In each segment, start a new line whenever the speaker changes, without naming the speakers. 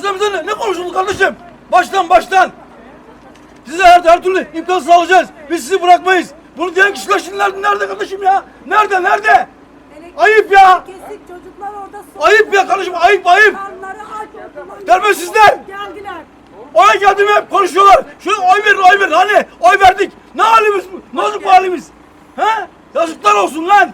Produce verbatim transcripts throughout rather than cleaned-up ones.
Baştan bize ne, ne konuşuldu kardeşim? Baştan baştan. Size her, her türlü imkan sağlayacağız. Biz sizi bırakmayız. Bunu diyen kişiler şimdi nerede, nerede kardeşim ya? Nerede nerede? Ayıp ya.
Kesik çocuklar orada
Ayıp ya kardeşim, ayıp ayıp.
karnları aç oldular.
Terbiyesizler.
Geldiler.
Oya geldim hep konuşuyorlar. Şöyle oy verin, oy verin. Hani oy verdik. Ne halimiz bu? Ne olacak bu halimiz? He? Yazıklar olsun lan.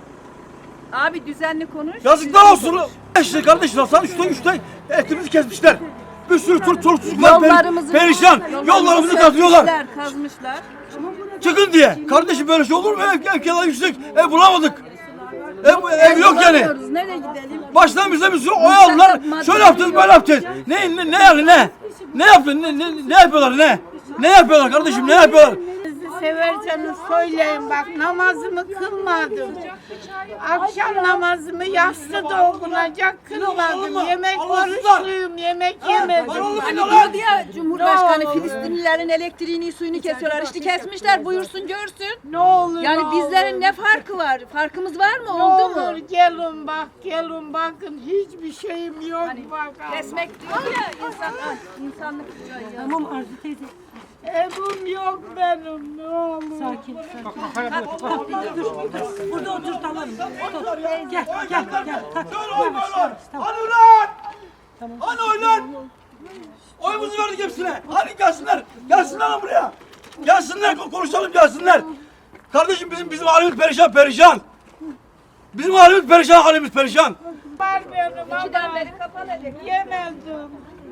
Abi düzenli konuş.
Yazıklar olsun. İşte kardeşler saat üçte üçte etimizi kesmişler. Bir sürü tur tur çocuklar
Yollarımızı
perişan. Yollarımızı kazıyorlar.
kazmışlar, kazmışlar.
Çıkın diye. Kardeşim böyle şey olur mu? Ev, ev kiraları yüksek. Ev bulamadık. Ev, ev yok yani.
Bulamıyoruz, nereye gidelim?
Baştan bize bir sürü oy aldılar. Şöyle yapacağız, böyle yapacağız. Ne, ne, ne yani ne? Ne yapıyor? Ne, ne, ne yapıyorlar ne? Ne yapıyorlar kardeşim? Ne yapıyorlar?
Sizi severseniz söyleyin bak, namazımı kılmadım. Akşam namazımı yastıda okunacak kılmadım. Yemek oruçluyum, yemek yemedim.
Hani diyordu ya Cumhurbaşkanı Filistinlilerin elektriğini suyunu kesiyorlar. İşte kesmişler, buyursun görsün.
Ne olur
Yani
ne
bizlerin
olur.
ne farkı var? Farkımız var mı?
Ne
Oldu mu?
olur gelin bak, gelin bakın, hiçbir şeyim yok bak.
Kesmek diyor ya insan, insanlık.
Tamam Arzu teyze.
Evim yok benim, ne olur.
Sakin sakin. Dur, burada otur tamam. Otur. Gel gel gel. Kalk. Yavaş yavaş. Tamam.
Hani ulan! Hani oy lan? Oyumuzu verdik hepsine. Hadi gelsinler. Gelsinler lan buraya. Gelsinler konuşalım gelsinler. Kardeşim bizim bizim halimiz perişan perişan. Bizim halimiz perişan halimiz perişan.
Var benim
İkiden
ama
beri kapalı elektrik.
yemedim.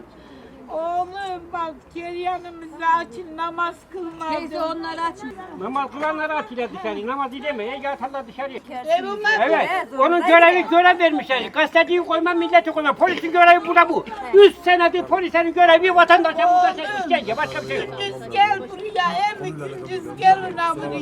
Oğlum bak, keryanımızı açın, namaz
Teyze
kılmadım.
onları açın.
Namaz kılanları atıyorlar dışarı. Namaz edemeye yatarlar dışarıya.
Evime
Evet. Onun görevi görev vermişler. Gazeteciyi koyma, milleti koyma. Polisin görevi bu da bu. Üç senedir polislerin görevi vatandaşa burada işkence. Başka bir şey yok.
gündüz gel buraya, hem gündüz gelin ha buraya.